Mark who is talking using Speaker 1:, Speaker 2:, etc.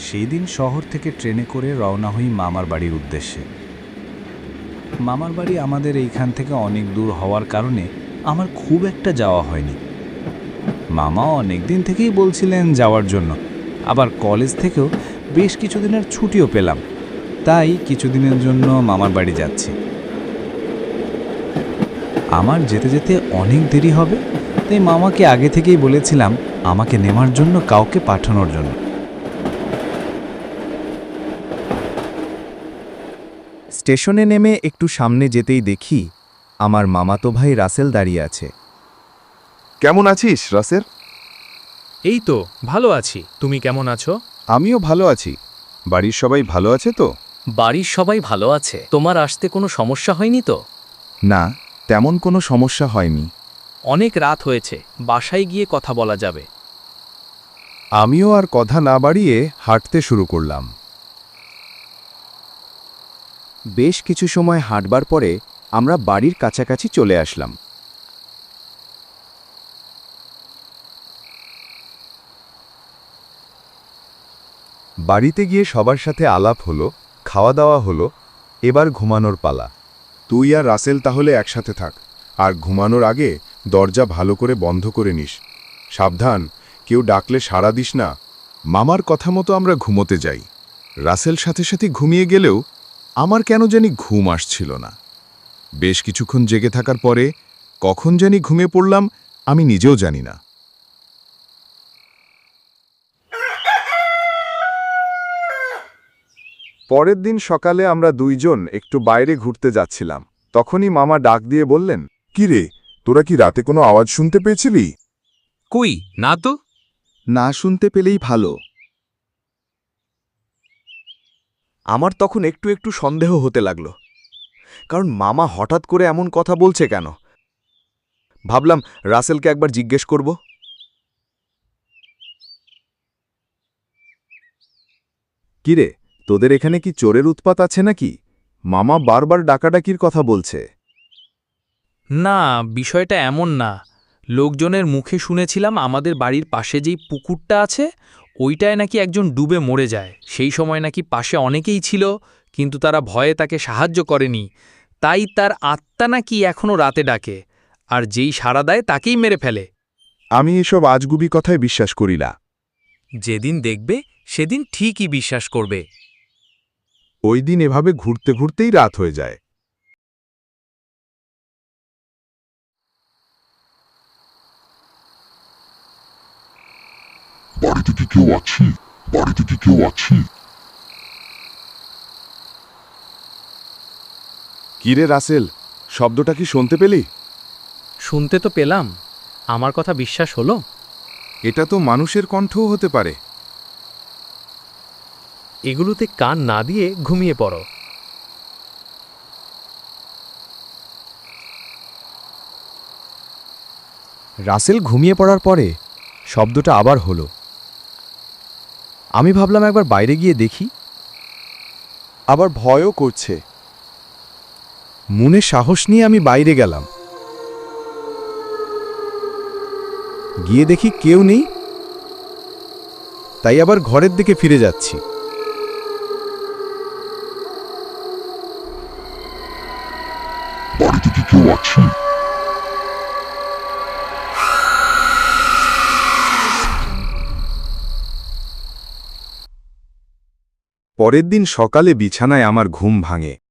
Speaker 1: সেই দিন শহর থেকে ট্রেনে করে রওনা হই মামার বাড়ির উদ্দেশ্যে। মামার বাড়ি আমাদের এইখান থেকে অনেক দূর হওয়ার কারণে আমার খুব একটা যাওয়া হয়নি। মামা অনেক দিন থেকেই বলছিলেন যাওয়ার জন্য, আবার কলেজ থেকেও বেশ কিছুদিনের ছুটিও পেলাম, তাই কিছুদিনের জন্য মামার বাড়ি যাচ্ছি। আমার যেতে যেতে অনেক দেরি হবে, তাই মামাকে আগে থেকেই বলেছিলাম আমাকে নেওয়ার জন্য কাউকে পাঠানোর জন্য।
Speaker 2: স্টেশনে নেমে একটু সামনে যেতেই দেখি আমার মামাতো ভাই রাসেল দাঁড়িয়ে আছে।
Speaker 3: কেমন আছিস রাসেল?
Speaker 4: এই তো ভালো আছি, তুমি কেমন আছো?
Speaker 3: আমিও ভালো আছি। বাড়ির সবাই ভালো আছে তো?
Speaker 5: বাড়ির সবাই ভালো আছে। তোমার আসতে কোনো সমস্যা হয়নি তো?
Speaker 3: না, তেমন কোনো সমস্যা হয়নি।
Speaker 5: অনেক রাত হয়েছে, বাসায় গিয়ে কথা বলা যাবে।
Speaker 3: আমিও আর কথা না বাড়িয়ে হাঁটতে শুরু করলাম।
Speaker 2: বেশ কিছু সময় হাঁটবার পরে আমরা বাড়ির কাছাকাছি চলে আসলাম।
Speaker 3: বাড়িতে গিয়ে সবার সাথে আলাপ হলো, খাওয়া দাওয়া হলো। এবার ঘুমানোর পালা। তুই আর রাসেল তাহলে একসাথে থাক, আর ঘুমানোর আগে দরজা ভালো করে বন্ধ করে নিস। সাবধান, কেউ ডাকলে সাড়া দিস না। মামার কথা মতো আমরা ঘুমোতে যাই। রাসেল সাথে সাথে ঘুমিয়ে গেলেও আমার কেন জানি ঘুম আসছিল না। বেশ কিছুক্ষণ জেগে থাকার পরে কখন জানি ঘুমিয়ে পড়লাম, আমি নিজেও জানি না। পরের দিন সকালে আমরা দুইজন একটু বাইরে ঘুরতে যাচ্ছিলাম। তখনই মামা ডাক দিয়ে বললেন, "কি রে, তোরা কি রাতে কোনো আওয়াজ শুনতে পেয়েছিলি?"
Speaker 4: কই না তো।
Speaker 2: না শুনতে পেলেই ভালো। আমার তখন একটু একটু সন্দেহ হতে লাগলো, কারণ মামা হঠাৎ করে এমন কথা বলছে কেন। ভাবলাম রাসেলকে একবার জিজ্ঞেস করব।
Speaker 3: কিরে, তোদের এখানে কি চোরের উৎপাত আছে নাকি? মামা বারবার ডাকাডাকির কথা বলছে।
Speaker 5: না, বিষয়টা এমন না। লোকজনের মুখে শুনেছিলাম আমাদের বাড়ির পাশে যেই পুকুরটা আছে ওইটায় নাকি একজন ডুবে মরে যায়। সেই সময় নাকি পাশে অনেকেই ছিল, কিন্তু তারা ভয়ে তাকে সাহায্য করেনি। তাই তার আত্মা নাকি এখনও রাতে ডাকে, আর যেই সাড়া দেয় তাকেই মেরে ফেলে।
Speaker 3: আমি এসব আজগুবি কথায় বিশ্বাস করি না।
Speaker 5: যেদিন দেখবে সেদিন ঠিকই বিশ্বাস করবে।
Speaker 3: ওই দিন এভাবে ঘুরতে ঘুরতেই রাত হয়ে যায়।
Speaker 6: বাড়িতে কি কেউ আছে? বাড়িতে কি কেউ আছে?
Speaker 3: কিরে রাসেল, শব্দটা কি শুনতে পেলি?
Speaker 5: শুনতে তো পেলাম, আমার কথা বিশ্বাস হলো?
Speaker 3: এটা তো মানুষের কণ্ঠও হতে পারে।
Speaker 5: এগুলোতে কান না দিয়ে ঘুমিয়ে পড়ো।
Speaker 2: রাসেল ঘুমিয়ে পড়ার পরে শব্দটা আবার হলো। আমি ভাবলাম একবার বাইরে গিয়ে দেখি।
Speaker 3: আবার ভয়ও করছে।
Speaker 2: মনে সাহস নিয়ে আমি বাইরে গেলাম। গিয়ে দেখি কেউ নেই, তাই আবার ঘরের দিকে ফিরে যাচ্ছি।
Speaker 6: বাড়িতে কি কেউ আছে?
Speaker 3: পরের দিন সকালে বিছানায় আমার ঘুম ভাঙে।